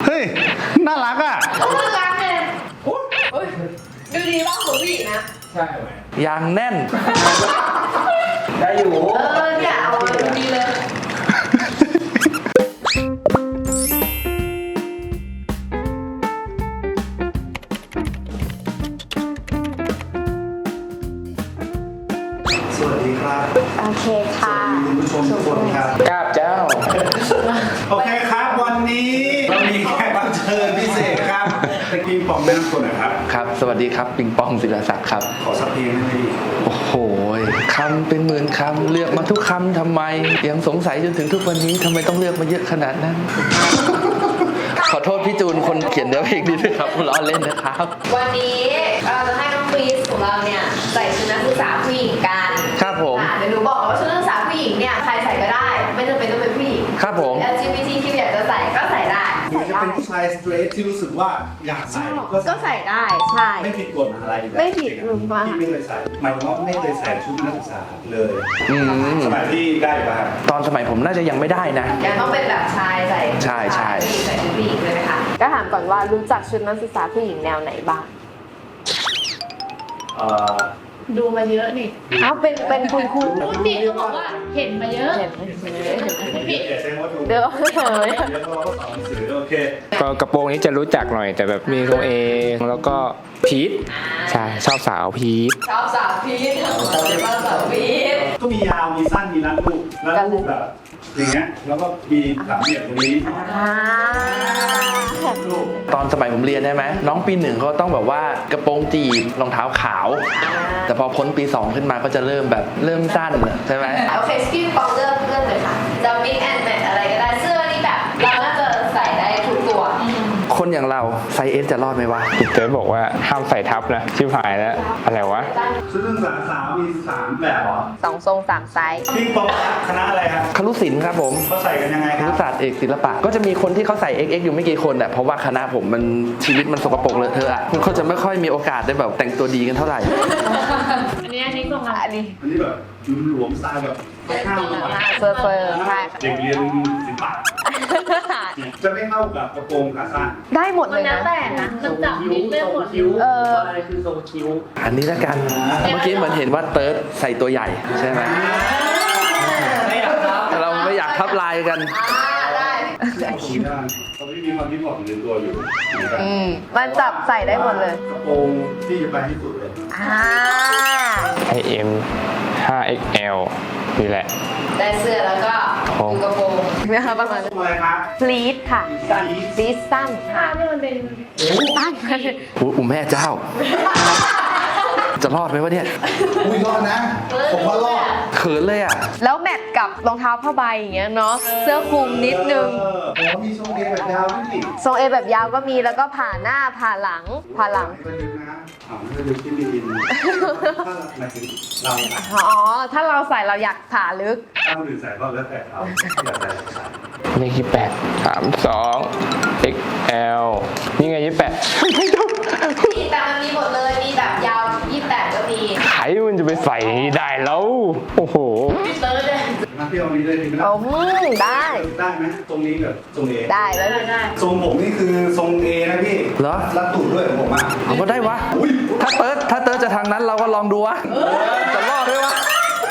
เฮ้ยน่ารักอ่ะน่ารักเลยดูดีว่าหัวผู้หญิงนะใช่ไหมยางแน่นได้อยู่เนี่ยเอามาดูดีเลยสวัสดีครับโอเคค่ะคุณผู้ชมทุกคนครับกราบเจ้าโอเคครับวันนี้เรามีแขกรับเชิญพิเศษครับตะกี้ปองแนะนำตัวหน่อยครับครับ สวัสดีครับปิงปองศิลศักดิ์ครับขอสักเพลงได้ไหมพี่โอ้โหคำเป็นหมื่นคำเลือกมาทุกคำทำไม ยังสงสัยจนถึงทุกวันนี้ทำไมต้องเลือกมาเยอะขนาดนั้น ขอโทษพี่จูนคนเขียนเนื้อเพลงนี้ด้วยครับล้อเล่นนะครับวันนี้เราจะให้น้องฟรีสของเราเนี่ยใส่ชุดนักศึกษาผู้หญิงกันครับผมเดี๋ยวหนูบอกว่าชุดนักศึกษาผู้หญิงเนี่ยใครใส่ก็ได้ ไม่จำเป็นต้องเป็นผู้หญิงครับผม LGBTQ อยากจะใส่ก็ใส่ได้หรือจะเป็นผู้ชายสเตรทที่รู้สึกว่าอยากใส่ก็ใส่ได้ใช่ไม่ผิดกฎอะไรแบบไม่ผิดหรือว่าที่ไม่เคยใส่หมายถึงว่าไม่เคยใส่ชุดนักศึกษาเลยอืมสมัยที่ได้ป่ะครับตอนสมัยผมน่าจะยังไม่ได้นะยังต้องเป็นแบบชายใส่ใช่ใช่ใส่ชุดผู้หญิงเลยไหมคะก็ถามก่อนว่ารู้จักชุดนักศึกษาผู้หญิงแนวไหนบ้างดูมาเยอะนี่อ้าวเป็นคุณครูพูดผิดก็บอกว่าเห็นมาเยอะเห็นไหมผิดอย่าใช้ว่าถูกเดี๋ยวเฉยเดี๋ยวเราก็สอนหนังสือโอเคก็กระโปรงนี้จะรู้จักหน่อยแต่แบบมีทรงเอแล้วก็พีทใช่ชอบสาวพีทชอบสาวพีทชอบสาวพีทก็มียาวมีสั้นมีรัดรูปรัดรูปแบบอย่างเงี้ยแล้วก็มีสามเหลี่ยมตรงนี้ รูปตอนสมัยผมเรียนได้ไหมน้องปีหนึ่งเขาต้องแบบว่ากระโปรงจีบรองเท้าขาว แต่พอพ้นปี 2 ขึ้นมาก็จะเริ่มแบบเริ่มสั้นอะใช่ไหมโอเคสกิลปองเริ่มเลยค่ะจะมิกแอนด์แมทอะไรก็ได้เสื้อนี่แบบเราน่าจะใส่ได้ทุกตัวคนอย่างเราไซส์เอสจะรอดไหมวะพี่เต๋อบอกว่าห้ามใส่ทับนะชิบหายแล้วอะไรวะชุดนักศึกษาสาวมี3แบบเหรอ 2 ทรง 3 ไซส์พิงปองคณะอะไรครับครุศิลป์ครับผมเขาใส่กันยังไงคครัรุบศาสตร์เอกศิลปะก็จะมีคนที่เขาใส่ XX อยู่ไม่กี่คนแหละเพราะว่าคณะผมมันชีวิตมันสกปรกเลอะเทอะอะเขาจะไม่ค่อยมีโอกาสได้แบบแต่งตัวดีกันเท่าไหร่อันนี้ส่งมาอันนี้อันนี้แบบหลวมๆสไตล์แบบข้าวๆเฟอร์ใช่เด็กเรียนศิลปะจะไม่เข้ากับกระโปรงขาสั้นได้หมดมัเลนยแล้วนะแต่นะมันจับนิดได้หมดอะไรคือทรงคิ้วอันนี้ละกันเมื่อกี้เหมือนเห็นว่าเติร์ดใส่ตัวใหญ่ใช่ไหมเราไม่อยากทับลายกันได้เอาคิ้วได้ตอนนี้มีความที่ผ่อนในตัวอยู่เหมือนกันมันจับใส่ได้หมดเลยกระโปรงที่จะไปที่สุดเลยให้เอ็ม 5XL นี่แหละได้เสื้อแล้วก็ดูกระโปรงนะคะประมาณทำอะไรครับพลีทค่ะพลีทสั้นค่ะนี่มันเป็นสั้นอุ้มแม่เจ้า จะรอดไหมวะเนี่ยอุ้ยรอดนะ ผมว่ารอดเขินเลยอ่ะแล้วแมทกับรองเท้าผ้าใบอย่างเงี้ยเนาะเสื้อคลุมนิดนึงผมมีทรงเอแบบยาวด้วยนี่ทรงเอแบบยาวก็มีแล้วก็ผ่าหน้าผ่าหลังก็ดึงนะไม่ได้ดึงที่มีดินถ้าหมายถึงเราอ๋อ ถ้าเราใส่เราอยากผ่าลึกถ้าคนอื่นใส่ก็แล้วแต่เขาอยากใส่ใส่เลข28 32 XL นี่ไง28ไม่ต้องแต่มันมีหมดเลย มีแบบยาว 28 ก็มีใครมันจะไปใส่ได้แล้วโอ้โหพี่เติร์ดเลยมาที่เรามีเลยดีไหมโอ้ได้ได้ไหมตรงนี้แบบทรงเอได้แล้วได้ทรงผมนี่คือทรงเอนะพี่เหรอรัดตูดด้วยผมอ่ะเอาก็ได้วะ ถ้าเติร์ดจะทางนั้นเราก็ลองดูวะ จะรอดไหมวะ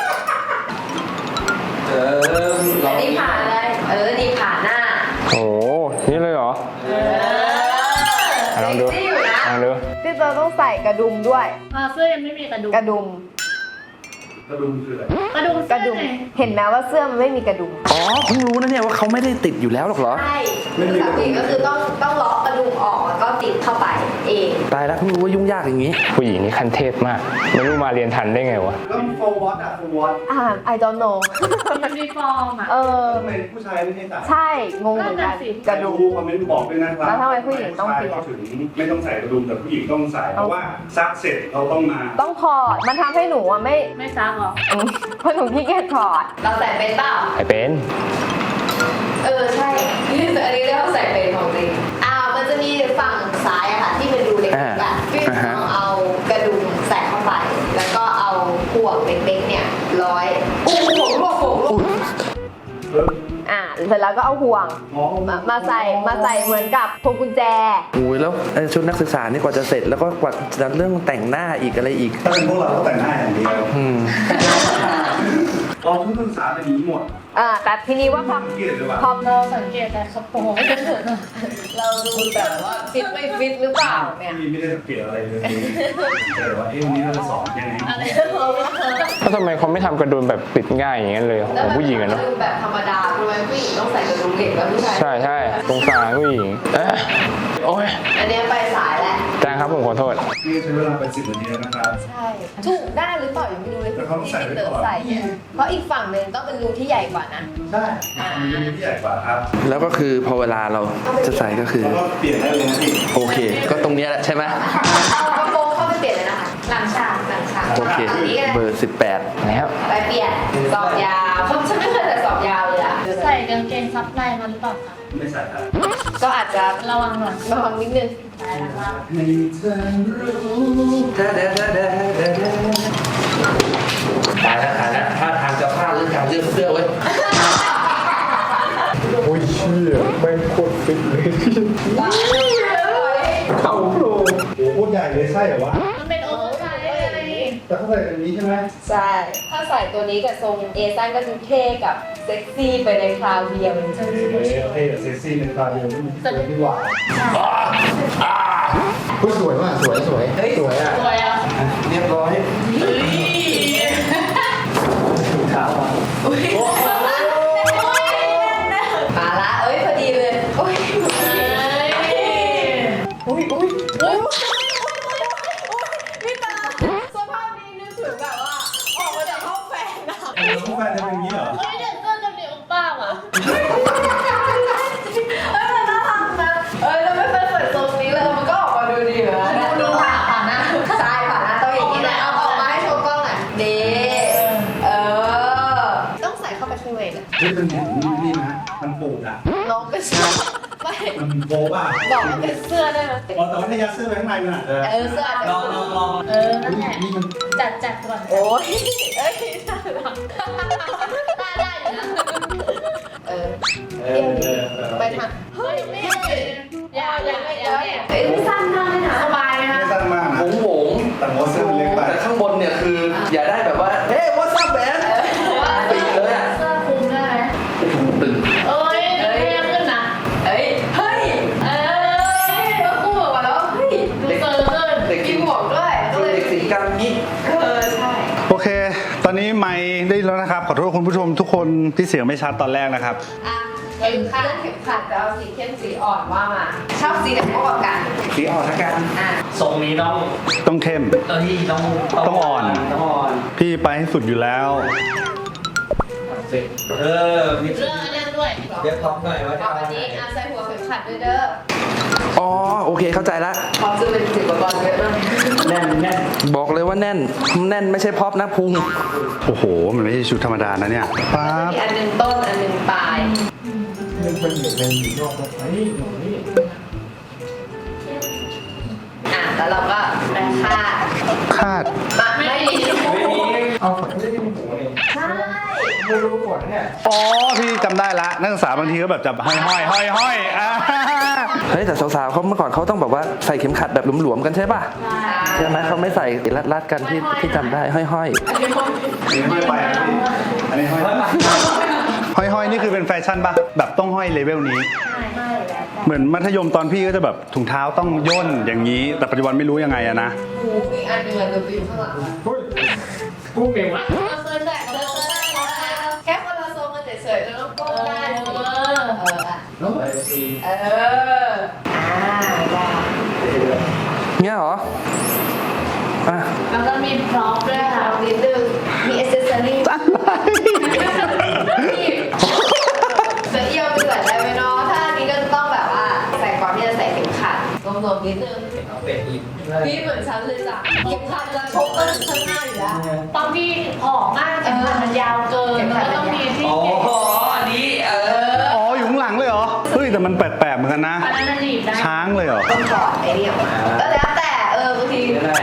อันนี้ผ่าเลย นี่ผ่าหน้าโอ้โหนี่เลยเหรอลองดูเซ็กซี่อยู่นะลองดูพี่เติร์ดต้องใส่กระดุมด้วยเสื้อยังไม่มีกระดุมกระดุมกระดุมคืออะไรกระดุมกระดุม เห็นไหมว่าเสื้อมันไม่มีกระดุมอ๋อเพิ่งรู้นะเนี่ยว่าเขาไม่ได้ติดอยู่แล้วหรอกเหรอใช่สามีก็คือต้องล็อกกระดุมออกแล้วก็ติดเข้าไปเองตายแล้วเพิ่งรู้ว่ายุ่งยากอย่างนี้ผู้หญิงนี่ขั้นเทพมาก ไม่รู้มาเรียนทันได้ไงวะแล้วโฟวอตอะโฟวอต I don't know ยูนิฟอร์มอ่ะทำไมผู้ชายไม่ให้ใส่ใช่ งงเหมือนกันนั่นน่ะสิกระดุมคอมเมนต์บอกด้วยนะครับแล้วทำไมผู้หญิงต้องเปลี่ยนเขาถึงไม่ต้องใส่กระดุมแต่ผู้หญิงต้องใส่เพราะว่าซักเสร็จเราต้องมาต้องถอด มันทำให้หนูอะไม่ไม่ซักหรอเพราะหนูขี้เกียจถอด เราใส่เป็นเปล่าไอเป็นใช่อันนี้เรียกว่าใส่เป็นของจริงมันจะมีฝั่งซ้ายอะค่ะที่เป็นรูเล็กๆอะพี่ต้องเอากระดุมใส่เข้าไป แล้วก็เอาห่วงเล็กๆเนี่ยร้อยผมร่วงเสร็จแล้วก็เอาห่วงมาใส่เหมือนกับพวงกุญแจโอ้ยแล้วชุดนักศึกษานี่กว่าจะเสร็จแล้วก็กว่าจะเรื่องแต่งหน้าอีกอะไรอีกถ้าเป็นพวกเราก็แต่งหน้าอย่างเดียวเราทุกนักศึกษาเป็นอย่างนี้หมดแต่ทีนี้ว่าพอเกลียดหรือเปล่าเราสังเกตแต่กระโปรงเราดูแบบว่าฟิตไม่ฟิตหรือเปล่าเนี่ยพี่ไม่ได้สังเกตอะไรเลยแต่ว่าวันนี้เราจะสอนยังไงอะไรแล้วทำไมเขาไม่ทำกระดุมแบบปิดง่ายอย่างนั้นเลยของผู้หญิงอะเนาะดูแบบธรรมดาทำไมผู้หญิงต้องใส่กระดุมเหล็กแล้วผู้ชายใช่สงสารผู้หญิงโอ้ยอันนี้ไปสายแล้วอาจารย์ครับผมขอโทษนี่ใช้เวลาไป10 นาทีแล้วนะครับใช่ถูกได้หรือเปล่ายังไม่รู้เลยแต่เขาต้องใส่ไว้ที่ก่อนใส่เนี่ยเพราะอีกฝั่งหนึ่งต้องเป็นรูที่ใหญ่กว่านะได้มันจะมีที่ใหญ่กว่าครับแล้วก็คือพอเวลาเราจะใส่ก็คือแล้วก็เปลี่ยนได้เลยนะพี่โอเค ก็ตรงเนี้ยแหละใช่ไหมเอากระโปรงเข้าไปเปลี่ยนเลยนะคะหลังฉากโอเคนนี้ก็ได้เบอร์ 18 แล้วไปเปลี่ยนสอบยาวเพราะฉันไม่เคยใส่สอบยาวเลยอะใส่กางเกงซับในมาหรือเปล่าคะไม่ใส่ครับก็อาจจะระวังหน่อยระวังนิดนึงได้แล้วครับให้เธอรู้ตายแล้วถ้าทางจะพลาดเรื่องการเลือกเสื้อเว้ยโอ้ยเชี่ยไม่โคตรฟิตเลย เข้าโปรโอ้โหใหญ่เลยใช่เหรอวะมันเป็นโอเวอร์ไซส์ไงแต่เขาใส่แบบนี้ใช่ไหมใช่ ถ้าใส่ตัวนี้กับทรงเอซันก็ดูเท่กับเซ็กซี่ไปในคราวเดียวเลยเท่เซ็กซี่ในตาเดียวไม่ดีกว่าสวยว่ะสวยสวยอ่ะสวยอ่ะเรียบร้อยมาละเอ้ยพอดีเลยโอ้ยพี่ตาสภาพนี้นึกถึงแบบว่าออกมาจากห้องแฟนอะผู้แฟนจะเป็นอย่างนี้เหรอเฮ้ยเด็กเสื้อจะมีอุป้าว่ะมันน่ารักนะเราไม่เคยใส่ทรงนี้เลยมันก็ออกมาดูดีเหมือนกันดูผ่านนะใช่ผ่านนะต้องอย่างนี้แหละเอาออกมาให้ชมกล้องหน่อยดีต้องใส่เข้าไปข้างในนะที่เป็นอย่างนี้นะมันปูดอ่ะน้องก็ชอบไม่มันโบ๊ะอ่ะบอกว่าเป็นเสื้อได้ไหมอ๋อแต่ว่าถ้ายัดเสื้อไปข้างในมันอาจจะเสื้ออาจจะลองนั่นแหละนี่มันจัดก่อนโอ้ยเอ้ยน่ารักได้อยู่นะไปทางเฮ้ยไม่อย่าเอ้ยไม่สั้นมากเลยนะสบายไหมคะไม่สั้นมากนะโหงแต่ว่าเสื้อมันเล็กไปแต่ข้างบนเนี่ยคือ อย่าได้แบบว่า เฮ้ย what's up man ปีกเลยอ่ะเสื้อคลุมได้ไหมตึงเอ้ยเท่ขึ้นนะเฮ้ยแล้วคู่บอกว่าแล้วเฮ้ยดูเซอร์ขึ้นเด็กมีหมวกด้วยก็เลยเด็กสีกรรมนี้ใช่โอเค ตอนนี้ไมค์ได้แล้วนะครับ ขอโทษคุณผู้ชมทุกคนที่เสียงไม่ชัดตอนแรกนะครับเข็มขัดจะเอาสีเข้มสีอ่อนว่ามาชอบสีไหนมากกว่ากันสีอ่อนละกันทรงนี้ต้องต้องเข้มต้องอ่อนพี่ไปให้สุดอยู่แล้วมีเรื่องอันนี้ด้วยเรียกท็อปหน่อยว่าจะเอาเอาวันไหนนี้ใส่หัวเข็มขัดด้วยเด้ออ๋อ โอเค เข้าใจละพร้อมจะเป็นสิบกว่าเยอะมากแน่นบอกเลยว่าแน่น แน่นไม่ใช่พ็อปนะพุงโอ้โห มันไม่ใช่ชุดธรรมดานะเนี่ยป๊าบมีอันหนึงต้นอันหนึงปลายมันเป็นอยู่ในนอกไอ้นี่แล้วเราก็ไปคาดคาดไม่มีเอาฝันไม่ได้ที่หัวเลยใช่ไม่รู้ก่อนเนี่ยอ๋อ พี่จำได้ละนักศึกษาบางทีก็แบบจับห้อยอ่าเฮ้ย แต่สาวๆเขาเมื่อก่อนเขาต้องแบบว่าใส่เข็มขัดแบบหลวมๆกันใช่ป่ะ ใช่ไหมเขาไม่ใส่รัดๆกันที่จำได้ ห้อยอันนี้ห้อยไปนะพี่อันนี้ห้อยห้อยนี่คือเป็นแฟชั่นปะแบบต้องห้อยเลเวลนี้ เหมือนมัธยมตอนพี่ก็จะแบบถุงเท้าต้องย่นอย่างนี้ แต่ปัจจุบันไม่รู้ยังไงอะนะหูอีกอันหนึงอะอยู่ข้างหลังกูเก่งวะเราเคยใส่เราเคยได้แค่คนละทรงกันเฉยๆแล้วก็ก้มได้สิอ่ะน้องไอ้ซีได้ๆเงี้ยเหรอ อ่ะแล้วก็มีพร็อพด้วยค่ะเอานิดนึงมีอ c เซสซอรี่เสื้อเอี่ยวไปใส่ได้ไหมเนาะถ้าอันนี้ก็ต้องแบบว่าใส่ก่อนที่จะใส่เข็มขัดรวมๆนิดนึงเอาเป็ดอีกพี่เหมือนฉันเลยจ้ะเข็มขัดจะชกกันข้างหน้าอยู่แล้วตอนที่ผอมมากเข็มขัดมันยาวเกินแล้วก็ต้องมีที่อ๋อเก็บอันนี้อ๋อ อยู่ข้างหลังเลยเหรอ เฮ้ย แต่มันแปลกๆเหมือนกันนะอันนั้นมันหนีบได้ช้างเลยเหรอต้องถอดไอ้นี่ออกมาก็แล้วแต่บางทีก็ได้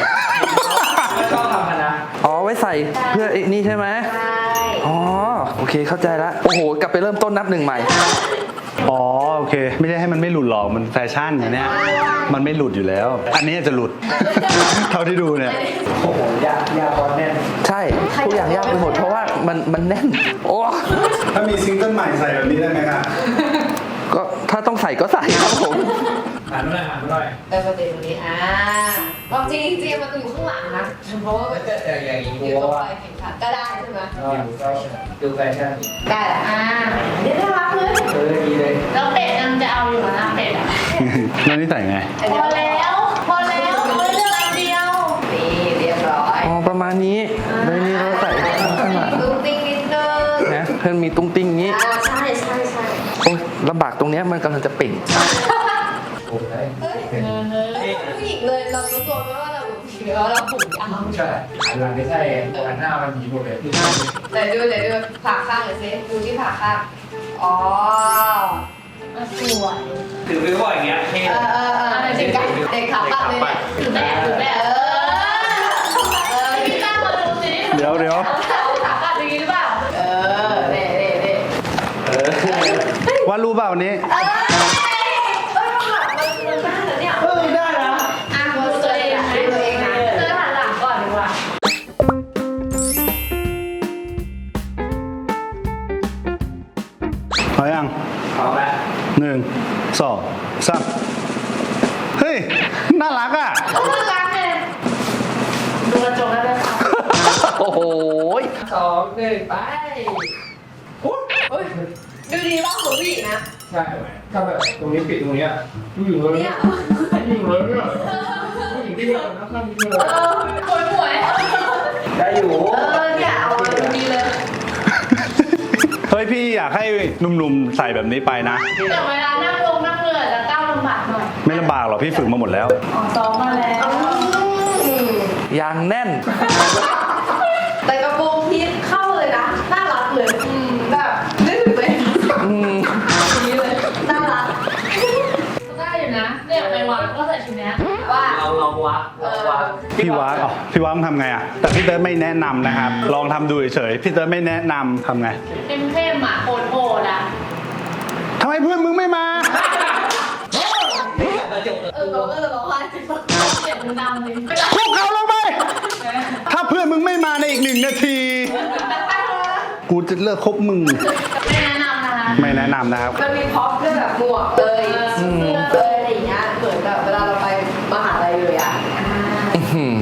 ชอบทำกันนะอ๋อ ไว้ใส่เพื่อไอ้นี่ใช่ไหมใช่อ๋อ โอเคเข้าใจละโอ้โหกลับไปเริ่มต้นนับหนึ่งใหม่อ๋อโอเค ไม่ได้ให้มันไม่หลุดหรอกมันแฟชั่นอย่างเนี้ยมันไม่หลุดอยู่แล้ว อันนี้จะหลุด เท่าที่ดูเนี่ยโอ้โหยาพอแน่นใช่ทุกอย่างยากไปหมดเพราะว่ามันแน่นโอ้ถ้ามีซิงเกิลใหม่ใส่แบบนี้ได้ไหมครับก็ถ้าต้องใส่ก็ใส่ครับผมหันมาหน่อยประเด็นตรงนี้ความจริงมันอยู่ข้างหลังนะเพราะว่ามันอย่างนี้อยู่ตรงปลายเข็มขัดก็ได้ใช่ไหมดูแฟชั่นได้แหละนี่น่ารักเลยดีเลยแล้วเป็ดยังจะเอาอยู่นะเป็ดอ่ะแล้วนี่ใส่ไงพอแล้วเอาเลือกอันเดียวนี่เรียบร้อยอ๋อประมาณนี้เลยนี่เราใส่ข้างหลังตุ้งติ้งนิดนึงนะเพื่อนมีตุ้งติ้งอย่างนี้ใช่ใช่ใช่โอ้ยลำบากตรงเนี้ยมันกำลังจะเป่งโอ้ยผู้หญิงเลยเรารู้ตัวไหมว่าเราผิวเราผมยาวใช่หลังไม่ใช่หันหน้ามันหนีหมดเลยแต่ดูผ่าข้างหน่อยสิดูที่ผ่าข้างอ๋อสวยถือไปว่าอย่างเงี้ยเท่เด็กขาปัดเลยเนี่ยถือแบบพี่ก้าวมาดูสิเดี๋ยวขากัดอย่างนี้หรือเปล่าเด็วาดรูปเปล่านี้มันได้แล้วเนี่ยได้นะดูตัวเองนะตัวเองนะเธอหันหลังก่อนดีกว่าพอยังเอาละ 1 2 3เฮ้ย น่ารักอ่ะน่ารักเลยดูกระจกแล้วเลยค่ะโอ้โห 2 1ไปดูดีว่าของผู้หญิงนะใช่ถ้าแบบตรงนี้ปิดตรงนี้ผู้หญิงเลยเนี่ยผู้หญิงเลยเนี่ยผู้หญิงที่มีคนข้างนี้เลยหวยได้อยู่เนี่ยเอาดูดีเลยเฮ้ยพี่อยากให้หนุ่มๆใส่แบบนี้ไปนะแต่เวลานั่งลงนั่งเรือจะก้าวลำบากหน่อยไม่ลำบากหรอกพี่ฝึกมาหมดแล้วอ๋อซ้อมมาแล้วยางแน่นแต่กระโปรงพีทเข้าเลยนะ น่ารักเลยแบบนึกถึงเลยอืมนี้เลย น่ารักได้อยู่นะเนี่ยไปวัดก็ใส่ชุดนี้ว่าเราวัดพี่วัดพี่วัดทำไงอ่ะ แต่พี่เติร์ดไม่แนะนำนะครับ ลองทำดูเฉยๆพี่เติร์ดไม่แนะนำทำไงเข้มๆอ่ะโหดๆอ่ะทำไมเพื่อนมึงไม่มาเราก็จะร้องไห้เสียงมันดังเลยพวกเขาลงไป ถ้าเพื่อนมึงไม่มาในอีก1 นาที กูจะเลิกคบมึงไม่แนะนำนะคะไม่แนะนำนะครับมันมีพ็อปด้วยแบบหมวกเลยเสื้อเลยอะไรอย่างเงี้ยเหมือนแบบเวลาเราไปมหาลัยเลยอ่ะอืม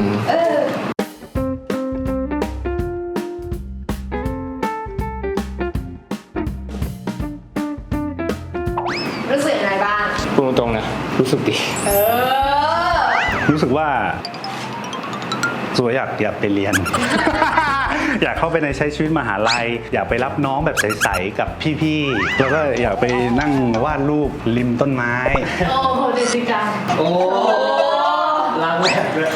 รู้สึกยังไงบ้างพูดตรงๆนะ รู้สึกดีรู้สึกว่าสวยอยากไปเรียน อยากเข้าไปในใช้ชีวิตมหาลัย อยากไปรับน้องแบบใสๆกับพี่ๆ แล้วก็อยากไปนั่งวาดรูปริมต้นไม้โอ้โหเดซิจังโอ้ล้างแบบเลย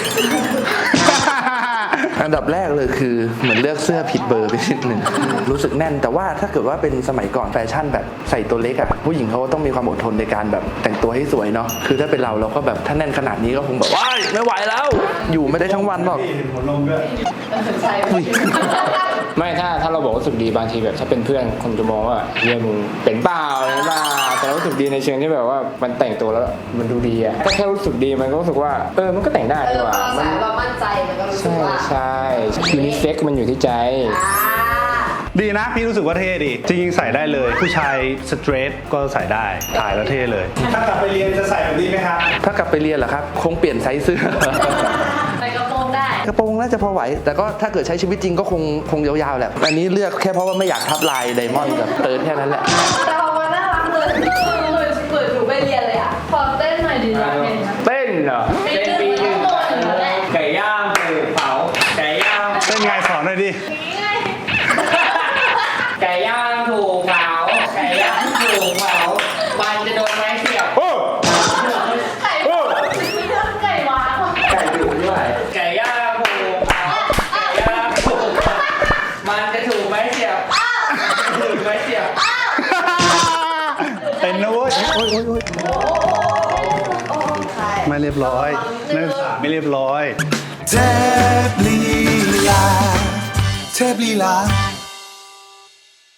อันดับแรกเลยคือเหมือนเลือกเสื้อผิดเบอร์ไปนิดหนึ่งรู้สึกแน่นแต่ว่าถ้าเกิดว่าเป็นสมัยก่อนแฟชั่นแบบใส่ตัวเล็กอ่ะผู้หญิงเขาก็ต้องมีความอดทนในการแบบแต่งตัวให้สวยเนาะคือถ้าเป็นเราก็แบบถ้าแน่นขนาดนี้ก็คงแบบว้ายไม่ไหวแล้ว อยู่ไม่ได้ทั้งวันหรอกหัวลงด้วยใช่ไม่ถ้าเราบอกว่ารู้สึกดีบางทีแบบถ้าเป็นเพื่อนคนจะมองว่าเฮียมึงเป็นเปล่าอะไรเปล่าแต่เรารู้สึกดีในเชิงที่แบบว่ามันแต่งตัวแล้วมันดูดีอะถ้าแค่รู้สึกดีมันก็รู้สึกว่ามันก็แต่งได้ดีกว่าพอมัสายเรามั่นใจมันก็รู้สึกใช่ว่าใช่ยูนิเซ็กมันอยู่ที่ใจดีนะพี่รู้สึกว่าเท่ดีจริงๆใส่ได้เลย ผู้ชายสเตรทก็ใส่ได้ถ่ายแล้วเท่เลย ถ้ากลับไปเรียนจะใส่แบบนี้ไหมครับถ้ากลับไปเรียนเหรอครับคงเปลี่ยนไซส์เสื้อใส่กระโปรงได้กระโปรงน่าจะพอไหว แต่ก็ถ้าเกิดใช้ชีวิตจริงก็คงยาวๆแหละอันนี้เลือกแค่เพราะว่าไม่อยากทับลายไดมอนด์กับเติร์ดแค่นั้นแหละแต่พอมันน่ารักเลยเปิดหนูไปเรียนเลยอ่ะขอเต้นหน่อยดิอยากเห็นนะเต้นเหรอปีนึงก็โตอยู่แล้วแหละไก่ย่างคือเผาไก่ย่างเป็นไงสอนหน่อยดินี่ไงไก่ย่างถูกเผาไก่ย่างถูกเผามันจะโดนไม้เสียบโอ้ไก่ไก่หวานไก่ดุด้วยไก่ย่างถูกเผาไก่ย่างถูกเผามันจะถูกไม้เสียบถูกไม้เสียบเป็นนะเว้ยไม่เรียบร้อยนักศึกษาไม่เรียบร้อยเทพลีลาเทพลีลา